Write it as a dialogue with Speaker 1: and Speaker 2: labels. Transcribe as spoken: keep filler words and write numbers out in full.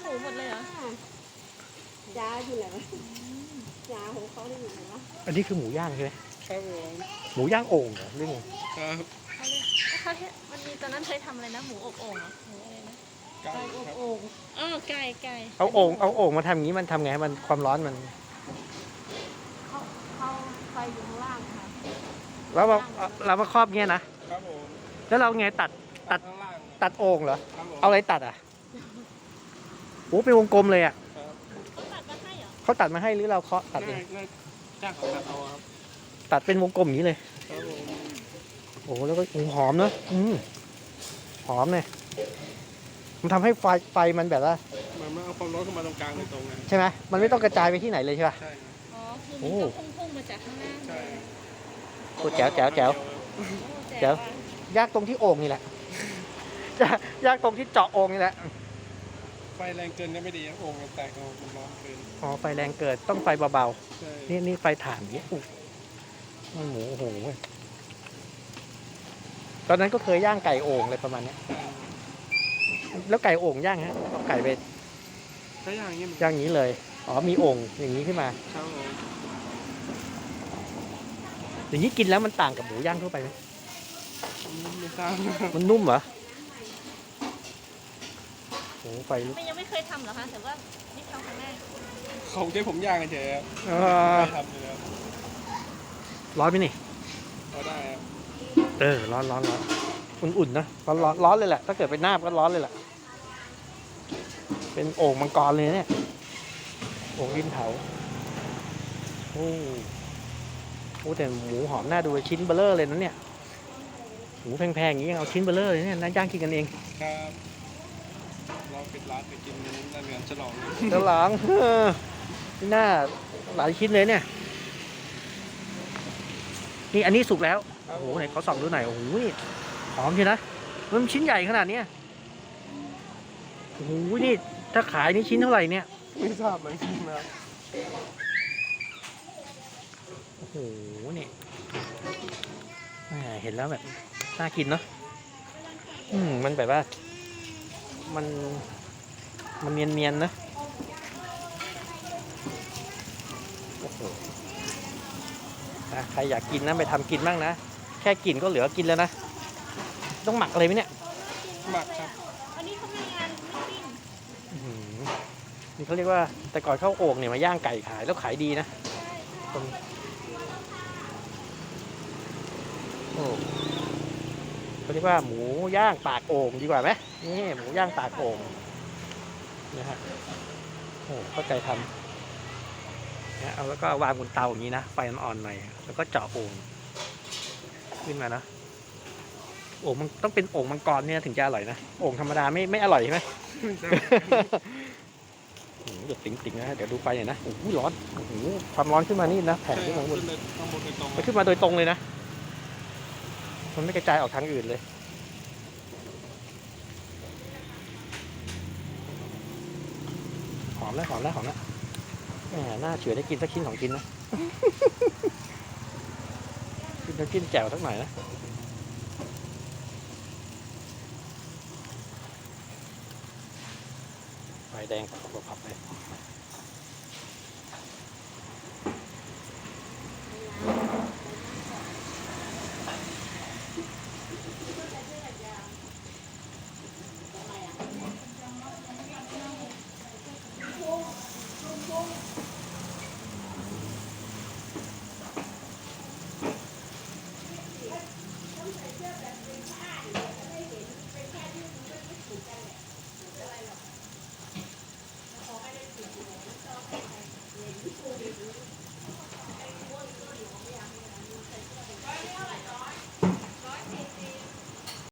Speaker 1: มูหมดเลยเหร
Speaker 2: อยาอยู่ไหนวะยาของเขาได้อยู่ไหนวะ
Speaker 3: อันนี้คือหมูย่างใช่ไหม
Speaker 4: ครับผม
Speaker 3: หมูย่างโอ่งเหรอเรื่อง
Speaker 4: ครับ
Speaker 1: เขาเลยเขามันมีตอนนั้นเคยทำอะไรนะหมูอบโอ่งเหรอหมูอะไรนะ
Speaker 4: ไก่อบ
Speaker 2: โอ่ง
Speaker 1: อ๋อไก่ไก่
Speaker 3: เอาโอ่งเอาโอ่งมาทำอย่างนี้มันทำไงมันความร้อนมัน
Speaker 2: เขาเขาไฟอยู่ข้างล่างค่ะ
Speaker 3: แล้วเราเรามาครอบเงี้ยนะครับ
Speaker 4: ผม
Speaker 3: แล้วเราไงตัดตัด
Speaker 4: ข้างล่าง
Speaker 3: ตัดโอ่งเหรอ
Speaker 4: ครับผม
Speaker 3: เอาอะไรตัดอ่ะโอ้เป็นวงกลมเลยอ่ะ
Speaker 1: เขาตัดมาให้เหรอ
Speaker 3: เขาตัดมาให้หรือเราเคาะตัดเอง
Speaker 4: จ้างเขาตัดเอาครับ
Speaker 3: ตัดเป็นวงกลมอย่างนี้เลย
Speaker 4: ครับผม
Speaker 3: โอ้แล้วก็หอมเนอะอืมหอมเนี่ยมันทำให้ไฟไฟมันแบบว่า
Speaker 4: มันไม่เอาความร้อนเข้ามาตรงกลางเลยตรงไง
Speaker 3: ใช่ไหมมันไม่ต้องกระจายไปที่ไหนเลยใช่ป่ะ
Speaker 4: ใช่
Speaker 1: อ๋อคือมันก็พุ่งๆมาจากข้างล่าง
Speaker 4: ใช่
Speaker 3: โอ้แจ๋วแจ๋วแจ๋วแจ๋วยากตรงที่โอ่งนี่แหละยากตรงที่เจาะโอ่งนี่แหละ
Speaker 4: ไฟแรงเกินก็ไม่ดีโอ่งแตกเอาความร้อนเกิน
Speaker 3: อ๋อไฟแรงเกิดต้องไฟเบาๆนี่นี่ไฟถ่านนี่อุ๊ยหมูโอ้โหตอนนั้นก็เคยย่างไก่โอ่งอะไรประมาณนี้แล้วไก่โอ่งย่างฮะเอาไก่ไป
Speaker 4: ถ้าย่างอย่างนี้
Speaker 3: ย่างอย่างนี้เลยอ๋อมีโอ่งอย่างนี้ขึ้นมา
Speaker 4: ครับผม
Speaker 3: อย่างนี้กินแล้วมันต่างกับหมูย่างทั่วไปไหม
Speaker 4: ไม่ทราบ
Speaker 3: มันนุ่มเหรอโอ้ไฟลุก
Speaker 1: ไม่ยังไม่เคยทำเหรอคะแต่ว่านี่ทำครั้งแรก
Speaker 4: เขาใช้ผมย่างกันเฉยครับไม่ทำเลยครับ
Speaker 3: ร้อนไหมนี่
Speaker 4: พอได้ครับ
Speaker 3: เออร้อนร้อนร้อนอุ่นๆนะร้อนร้อนร้อนเลยแหละถ้าเกิดเป็นหน้าก็ร้อนเลยแหละเป็นโอ่งมังกรเลยเนี่ยโอ่งดินเผาโอ้โหแต่หมูหอมน่าดูชิ้นเบลเลอร์เลยนะเนี่ยหมูแพงๆอย่างนี้ยังเอาชิ้นเบลเลอร์เลยเนี่ยน่าย่างกินกันเอง
Speaker 4: ครับเราปิดร้านไปกินนั่นกันฉลอง
Speaker 3: ฉลองนี่น่าหลายชิ้นเลยเนี่ยนี่อันนี้สุกแล้วโอ้โหไหนเขาส่องดูหน่อยโอ้โหหอมใช่นะมันชิ้นใหญ่ขนาดนี้โอ้โหนี่ถ้าขายนี่ชิ้นเท่าไหร่เนี่ย
Speaker 4: ไม่ทราบเลยจริงนะ
Speaker 3: โอ้โหนี่เห็นแล้วแบบน่ากินเนาะอืมมันแบบว่ามันมันเนียนๆนะโอ้โหใครอยากกินนะไปทำกินบ้างนะแค่กินก็เหลือกินแล้วนะต้องหมักอะไรไหมเนี่ย
Speaker 4: หมักครับ
Speaker 1: อันนี้เขามีงานปิ้ง
Speaker 3: นี่เขาเรียกว่าแต่ก่อนเข้าโอ่งเนี่ยมาย่างไก่ขายแล้วขายดีนะโอ้เขาเรียกว่าหมูย่างปากโอ่งดีกว่าไหมนี่หมูย่างปากโอ่งนะฮะโอ้เข้าใจทำนะเอาแล้วก็วางบนเตาอย่างนี้นะไฟอ่อนๆหน่อยแล้วก็เจาะโอ่งขึ้นมานะโอ่งมันต้องเป็นโอ่งมังกรเนี่ยถึงจะอร่อยนะโอ่งธรรมดาไม่ไม่อร่อยใช่ไหมเดี๋ยวติ๋งๆนะเดี๋ยวดูไฟหน่อยนะโอ้โหร้อนโอ้โหความร้อนขึ้นมานี่นะแผ่ขึ้นมาบนมันขึ้นมาโดยตรงเลยนะมันไม่กระจายออกทางอื่นเลยหอมแล้วหอมแล้วหอมแล้วน่าเฉื่อยได้กินสักชิ้นสองชิ้นนะกินน้ำจิ้มแจ่วสักหน่อยนะไฟแดงผับๆเลย